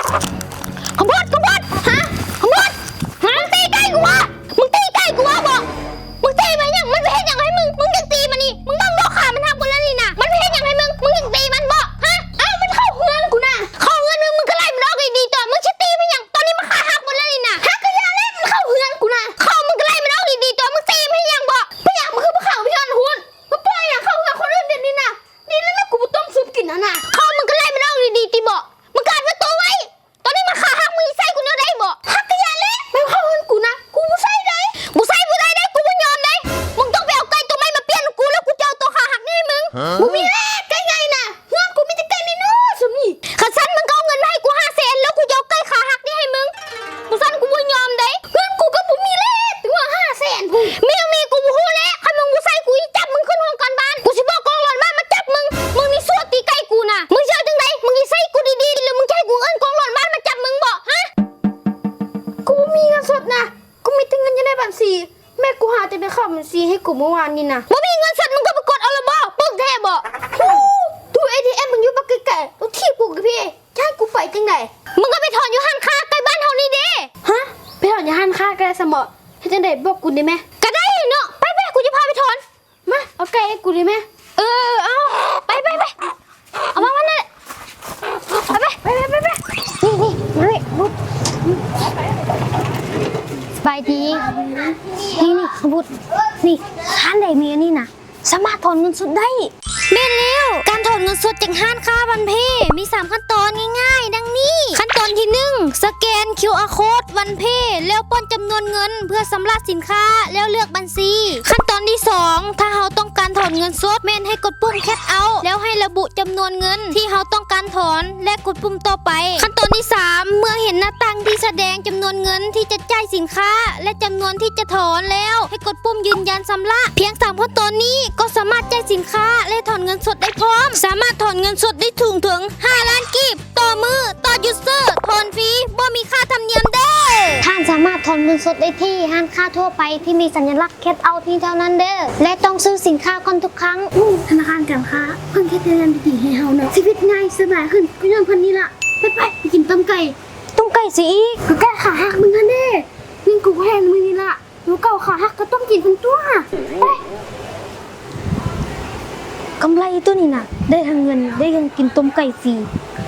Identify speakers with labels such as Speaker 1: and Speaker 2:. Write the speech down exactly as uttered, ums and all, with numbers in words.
Speaker 1: ขบวนขบวนฮะขบวนฮะมึงตีใกล้กูวะมึงตีใกล้กูวะบอกมึงตีมันยังมันไปเห็นยังให้มึงมึงยังตีมันนี่มึงต้องบอกขามันทำกูแล้วนี่นะมันไปเห็นยังให้มึงมึงยังตีมันบอกฮะเอ้ามันเข้าเฮือนกูนะเข้าเฮือนมึงมึงก็ไล่มันออกดีๆต่อมึงจะตีมันยังตอนนี้มันขาหักหมดแล้วนี่นะหักก็ยาเล่นมันเข้าเฮือนกูนะเข้ามึงก็ไล่มันออกดีๆต่อมึงตีมันยังบอกไม่อยากมึงคือพวกเขาพี่ชอนหุ่นมึงปล่อยอย่างเข้าเฮือนคนอื่นเดี๋ยวนี้นะนี่แล้วแม่กูต้มซุปกินนะน่ะเข้ามึงก็ไล่มันออกดีๆตีบอกมึงกัดประตูไว้ตอนนี้มันขาหักมึงใส่กูเนี่ยได้บอกหักก็ยาเล่นไม่เข้าเฮือนกูนะกูใส่ได้กูใส่กูได้ได้กูไม่ยอมได้มึงต้องไปเอาไก่ตัวใหม่มาเปลี่ยนกูแล้วกูจะเอาตัวขาหักนี่ให้มึงกูมีแรกไก่ไงน่ะเฮือนกูมีแต่ไก่น้อยๆสมนี่ขัดสันมึงก็เอาเงินมาให้กูห้าแสนแล้วกูจะเอาไก่ขาหักนี่ให้มึงกูสันกูไม่ยอมได้เฮือนกูก็บ่มีแรกถึงว่าห้าแสนกูมียังมีกูบ่ฮู้แล้วคันมึงบ่ใส่กูอีจับมึงขึ้นห้องการบ้านกูสิบอกกองหลอนบ้านมาจับมึงมึงนี่ซั่วตีไก่กูน่ะมึงเชื่อจังไดมึงสิใส่กูดีๆหรือมึงจะให้กูเอิ้นกองหลอนบ้านมาจับมึงบ่ฮะกูบ่มีเงินสดนะกูมีแต่เงินอยู่ในบัญชีแม่กูหาแต่ได้เข้าบัญชีให้กูเมื่อวานนี่นะบ่มีเงินสดมึงก็ไปกดเอาละบ่ปึกแท้บ่ฮู้ตู้ เอ ที เอ็ม มึงอยู่บักไกลๆตู้ที่กูกับพี่จะให้กูไปจังไดมึงก็ไปถอนอยู่ห้างค้าใกล้บ้านเฮานี่เด้ฮะไปถอนอยู่ห้างค้าใกล้สมอเฮ็ดจังไดบอกกูได้มั้ยก็ได้เนาะไปๆกูจะพาไปถอนมาเอาไก่ให้กูได้มั้ยเออเอาไปๆๆเอามามันนั่นไปๆไปๆไปๆนี่นี่นี่บุดสบายดีนี่นี่ขบุดนี่ร้านใดมีอันนี้นะสามารถถอนเงินสดได้เม่นแล้วการถอนเงินสดจากห้างค้าวันเพมีสามขั้นตอนง่ายๆดังนี้ขั้นตอนที่หนึ่งสแกน คิว อาร์ Code วันเพแล้วป้อนจำนวนเงินเพื่อสำระสินค้าแล้วเลือกบัญชีขั้นตอนที่สองถ้าเราต้องการถอนเงินสดแม่นให้กดปุ่มแคชเอาท์แล้วให้ระบุจำนวนเงินที่เราต้องการถอนและกดปุ่มต่อไปขั้นตอนที่สามเมื่อเห็นหน้าต่างที่แสดงจำนวนเงินที่จะจ่ายสินค้าและจำนวนที่จะถอนแล้วให้กดปุ่มยืนยันชำระเพียงสามขั้นตอนนี้ก็สามารถจ่ายสินค้าและถอนเงินสดได้พร้อมสามารถถอนเงินสดได้ถึงถึงห้าล้านกีบต่อมือต่อยูเซอร์ถอนฟรีบ่มีค่าธรรมเนียมเด้อท่านสามารถถอนเงินสดได้ที่ห้างค้าทั่วไปที่มีสัญลักษณ์แคชเอาท์ที่เท่านั้นเด้อและต้องซื้อสินค้าก่อนทุกครั้งธนาคารการค้าเพิ่งคิดเรื่องดีๆให้เฮาเนาะชีวิตง่ายสบายขึ้นก็ย้อนพันนี้ล่ะไปไปไปกินต้มไก่ต้มไก่สิอีกก็แก้ขาหักมึงนั่นเด้มึงกูแห้งมึงนี่ล่ะหนูเก่าขาหักก็ต้องกินทั้งตัวไปกำไรตัวนี้น่ะได้ทั้งเงินได้ยังกินต้มไก่ฟรี